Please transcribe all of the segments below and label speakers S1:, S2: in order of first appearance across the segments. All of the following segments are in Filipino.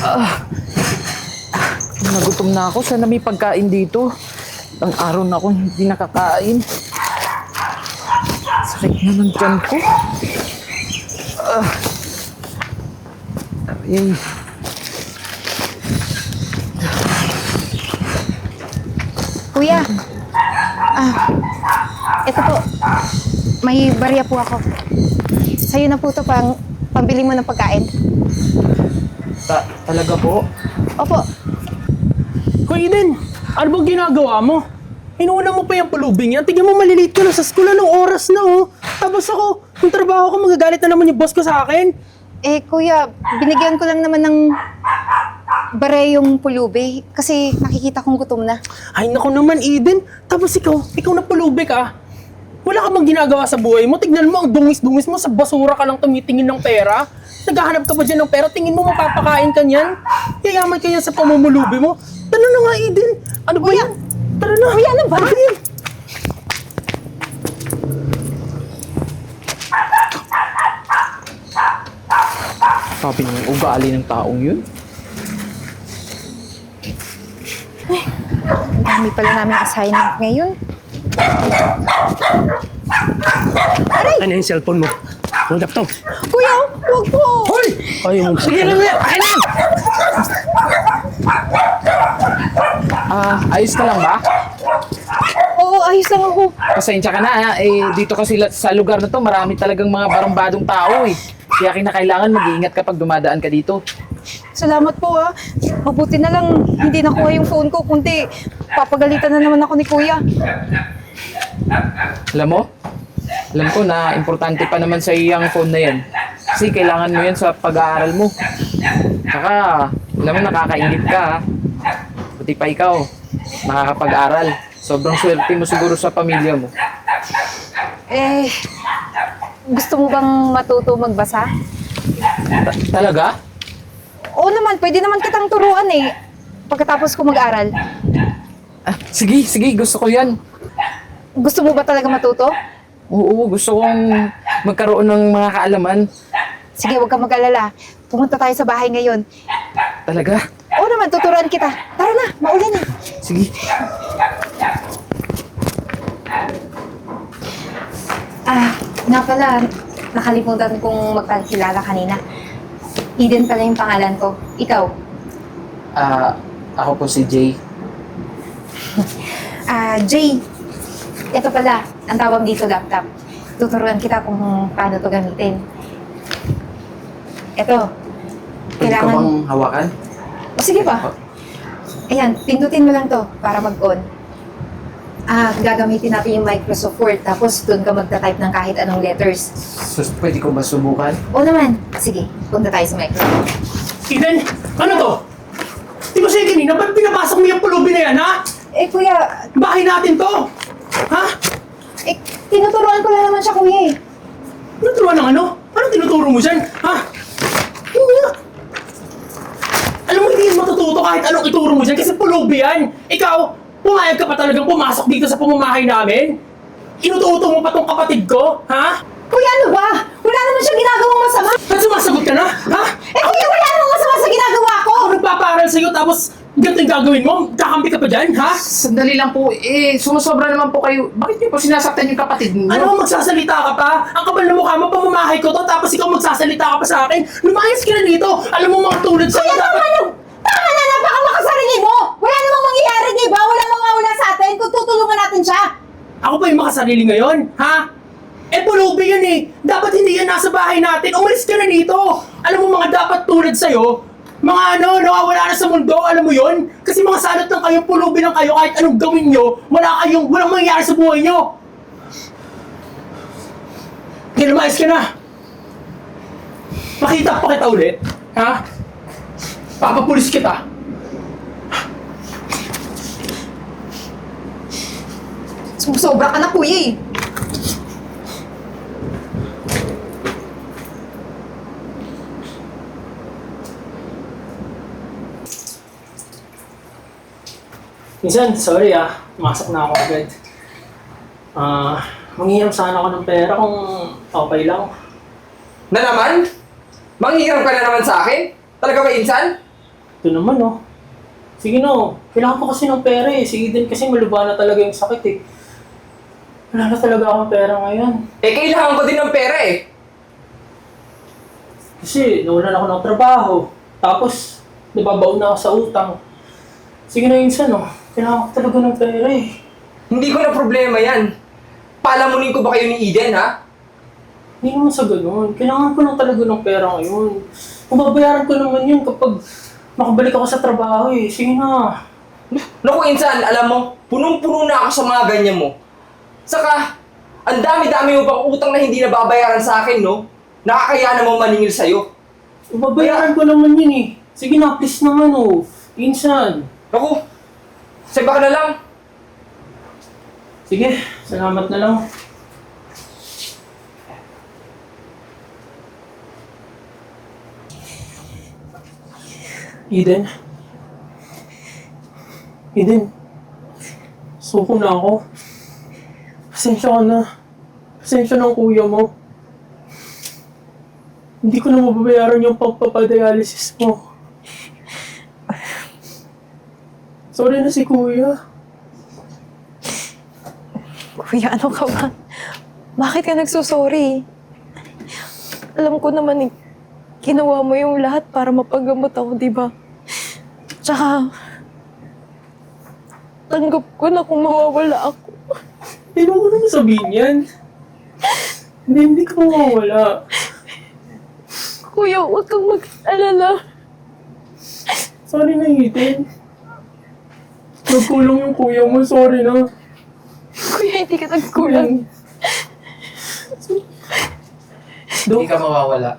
S1: Nagutom na ako. Sana may pagkain dito. Ang araw na ako hindi nakakain. Sakit na ng tiyan ko. Ay.
S2: Kuya, ito po. May barya po ako. Sa'yo na po ito pambili mo ng pagkain.
S1: Talaga po?
S2: Opo.
S3: Hoy Eden, ano bang ginagawa mo? Inuuna mo pa yung pulubing yan. Tignan mo, malilate ka na sa school. Anong oras na, oh? Tapos ako, yung trabaho ko, magagalit na naman yung boss ko sa akin.
S2: Eh, kuya, binigyan ko lang naman ng bare yung pulubi kasi nakikita kong gutom na.
S3: Ay, naku naman, Eden. Tapos ikaw na pulubi ka. Wala ka bang ginagawa sa buhay mo? Tignan mo, ang dungis-dungis mo. Sa basura ka lang tumitingin ng pera. Naghahanap ka ba dyan ng pera? Tingin mo mapapakain ka niyan? Yayaman ka yan sa pamumulubi mo. Tara na nga, Eden. Ano ba yan? Tara na.
S2: Kuya, ano ba?
S1: Sabi niyo, ugali ng taong yun.
S2: Ang dami pala namin assignment ngayon.
S3: Ano yung cellphone mo? Ang laptop.
S2: Kuya, huwag po!
S3: Hoy! Ay, yung sige lang yan. Akin lang!
S1: Ayos ka lang ba?
S2: Oo, ayos lang ako.
S1: Pasensya ka na ha. Dito kasi sa lugar na to, marami talagang mga barambadong tao eh. Kaya kinakailangan mag-iingat kapag dumadaan ka dito.
S2: Salamat po ah. Mabuti na lang hindi nakuha yung phone ko, kundi papagalitan na naman ako ni kuya.
S1: Alam ko na importante pa naman sa iyo yung phone na yan. Kasi kailangan mo yan sa pag-aaral mo. Saka, alam mo, nakakaingit ka ha. Buti pa ikaw, nakakapag-aral. Sobrang swerte mo siguro sa pamilya mo.
S2: Gusto mo bang matuto magbasa?
S1: Talaga?
S2: Oo naman, pwede naman kitang turuan eh. Pagkatapos ko mag-aral.
S1: Sige, gusto ko yan.
S2: Gusto mo ba talaga matuto?
S1: Oo, gusto kong magkaroon ng mga kaalaman.
S2: Sige, huwag kang mag-alala. Pumunta tayo sa bahay ngayon.
S1: Talaga?
S2: Oo naman, tuturuan kita. Tara na, maulan na.
S1: Sige.
S2: Nga pala, nakalimutan kong magpakilala kanina. Eden pala yung pangalan ko. Ikaw?
S1: Ako po si Jay.
S2: Jay. Ito pala, ang tawag dito laptop. Tuturuan kita kung paano to gamitin. Ito.
S1: Pwede ka bang hawakan?
S2: O sige ba? Ayan, pindutin mo lang to para mag-on. Gagamitin natin yung Microsoft Word, tapos doon ka magta-type ng kahit anong letters.
S1: Pwede ko ba subukan?
S2: O naman. Sige, punta tayo sa Microsoft.
S3: Eden, ano to? Di ba siya kanina? Ba't pinapasok mo yung pulubi na yan, ha?
S2: Kuya,
S3: Bahay natin to! Ha?
S2: tinuturuan ko lang naman siya, kuya eh.
S3: Tinuturuan ng ano? Anong tinuturo mo dyan? Ha? Hindi na. Alam mo, hindi yan matututo kahit anong ituro mo dyan kasi pulubi yan. Ikaw, pumayag ka pa talagang pumasok dito sa pamamahay namin? Inututo mo pa tong kapatid ko? Ha?
S2: Kuya, ano ba? Wala naman siya ginagawang masama.
S3: Ba't sumasagot ka na? Ha?
S2: Kuya, wala namang masama sa ginagawa ko.
S3: Ako nagpaparal sa'yo tapos ganito yung gagawin mo? Kakampi ka pa dyan? Ha?
S1: Sandali lang po. Sumusobra naman po kayo. Bakit niyo po sinasaktan yung kapatid niyo?
S3: Ano magsasalita ka pa? Ang kapal na mukha mo, pamamahay ko to, tapos ikaw magsasalita ka pa sa akin? Lumayas ka na dito! Alam mo mga tulad sa'yo dapat...
S2: Tama na, napakamakasarili mo. Wala namang mangyayari, di ba? Wala mawawala sa atin kung tutulungan natin siya.
S3: Ako pa yung makasarili ngayon, ha? Pulubi yan eh. Dapat hindi yan nasa bahay natin. Umalis ka na dito. Alam mo mga dapat tulad sa'yo, mga nawawala na sa mundo, alam mo yon? Kasi mga salot lang kayo, pulubi lang kayo, kahit anong gawin nyo, walang mangyayari sa buhay nyo. Kaya lumayas ka na. Makita pa kita ulit, ha? Papapulis kita.
S2: Sumusobra ka na, kuya eh.
S3: Minsan, sorry pumasok na ako agad. Manghihiram sana ako ng pera kung okay lang.
S4: Na naman? Manghihiram ka na naman sa akin? Talaga ba, Insan?
S3: Ito naman, oh. Sige na, oh. Kailangan ko kasi ng pera eh. Si Eden kasi maluba na talaga yung sakit eh. Wala na talaga akong pera ngayon.
S1: Eh, kailangan ko din ng pera eh.
S3: Kasi nawalan ako ng trabaho. Tapos, nababaon na ako sa utang. Sige na, Insan, oh. Kailangan ko talaga ng pera eh.
S1: Hindi ko na problema yan. Palamunin ko ba kayo ni Eden, ha?
S3: Hindi naman sa ganun. Kailangan ko lang talaga ng pera ngayon. Kung babayaran ko naman yun kapag makabalik ako sa trabaho eh. Sige na.
S1: Naku, Insan, alam mo, punong-puno na ako sa mga ganyan mo. Saka, ang dami-dami mo pang utang na hindi nababayaran sa akin, no? Nakakaya namang maningil sa'yo.
S3: Babayaran ko naman yun eh. Sige na, please naman oh. Insan.
S1: Naku, sa'yo ka na lang.
S3: Sige, salamat na lang. Eden? Eden? Suko na ako. Pasensya ka na. Pasensya ng kuya mo. Hindi ko na mababayaran yung pagpapadialysis mo. Sorry na si kuya.
S4: Kuya, ano ka ba? Bakit ka nagsusorry? Alam ko naman ginawa mo yung lahat para mapagamot ako, di ba? Tsaka, tanggap ko na kung mawawala ako.
S3: Hindi mo naman sabihin yan. Hindi ka mawawala.
S4: Kuya, huwag kang mag-alala.
S3: Sorry na, Eden. Nagkulang yung kuya mo, sorry na.
S4: Kuya, hindi ka nagkulang.
S1: Hindi ka mawawala.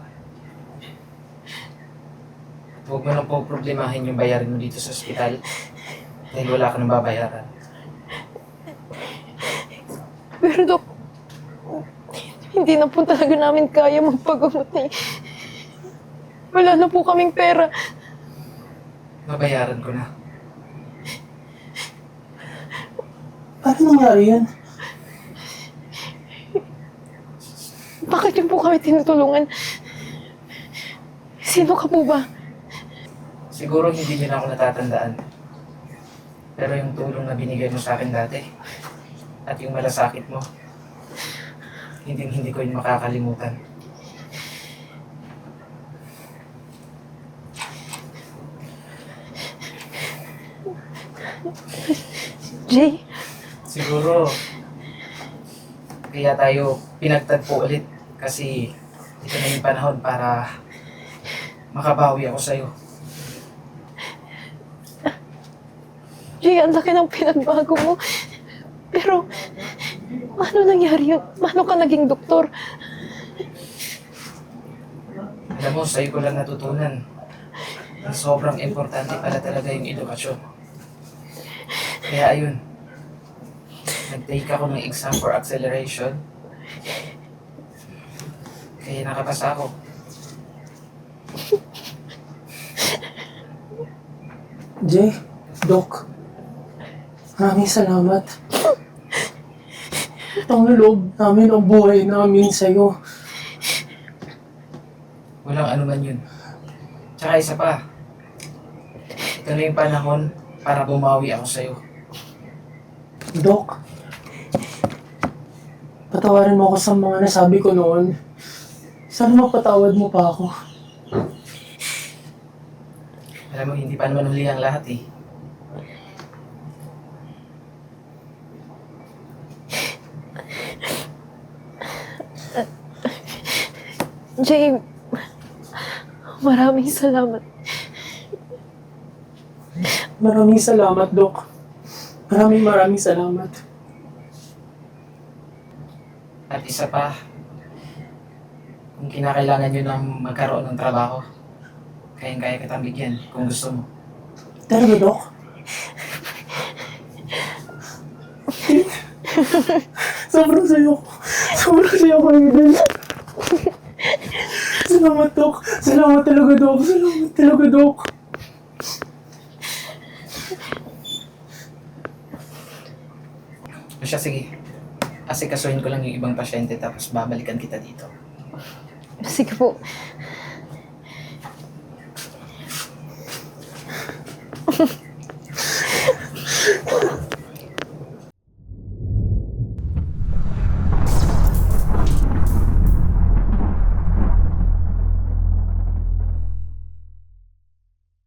S1: Huwag mo nang problemahin yung bayarin mo dito sa ospital. Dahil wala ka nang babayaran.
S4: Pero Dok, hindi na po talaga namin kaya magpagamot eh. Wala na po kaming pera.
S1: Babayaran ko na.
S3: Paano nangyari yan?
S4: Bakit yung po kami tinutulungan? Sino ka po ba?
S1: Siguro hindi niyo na ako natatandaan. Pero yung tulong na binigay mo sa akin dati, at yung malasakit mo, hindi ko yun makakalimutan.
S4: Jay,
S1: Siguro, kaya tayo pinagtagpo ulit kasi ito na yung panahon para makabawi ako sa'yo.
S4: Jay, ang laki ng pinagbago mo. Pero, paano nangyari yun? Paano ka naging doktor?
S1: Alam mo, sa'yo ko lang natutunan na sobrang importante pala talaga yung edukasyon. Kaya ayun, nag-take ako ng exam for acceleration. Kaya nakapasa ako.
S3: Jay, Doc, maraming salamat. Ang loob namin ang buhay namin sa'yo.
S1: Walang anuman yun. Tsaka isa pa, ito na yung panahon para bumawi ako sa'yo.
S3: Doc, patawarin mo ako sa mga nasabi ko noon. Sana mapatawad mo pa ako.
S1: Alam mo, hindi pa naman huli ang lahat eh.
S4: Jay, maraming salamat.
S3: Maraming salamat, Doc. Maraming salamat.
S1: At isa pa, kung kinakailangan nyo ng magkaroon ng trabaho, kayang-kaya kitang bigyan kung gusto mo.
S3: Talaga, Doc? Sobrang sayo ko. Sobrang sayo ko, Eden. Salamat, Doc. Salamat talaga, Doc. Salamat talaga, Doc.
S1: O siya, sige. Asikasuhin ko lang yung ibang pasyente tapos babalikan kita dito.
S4: Sige po.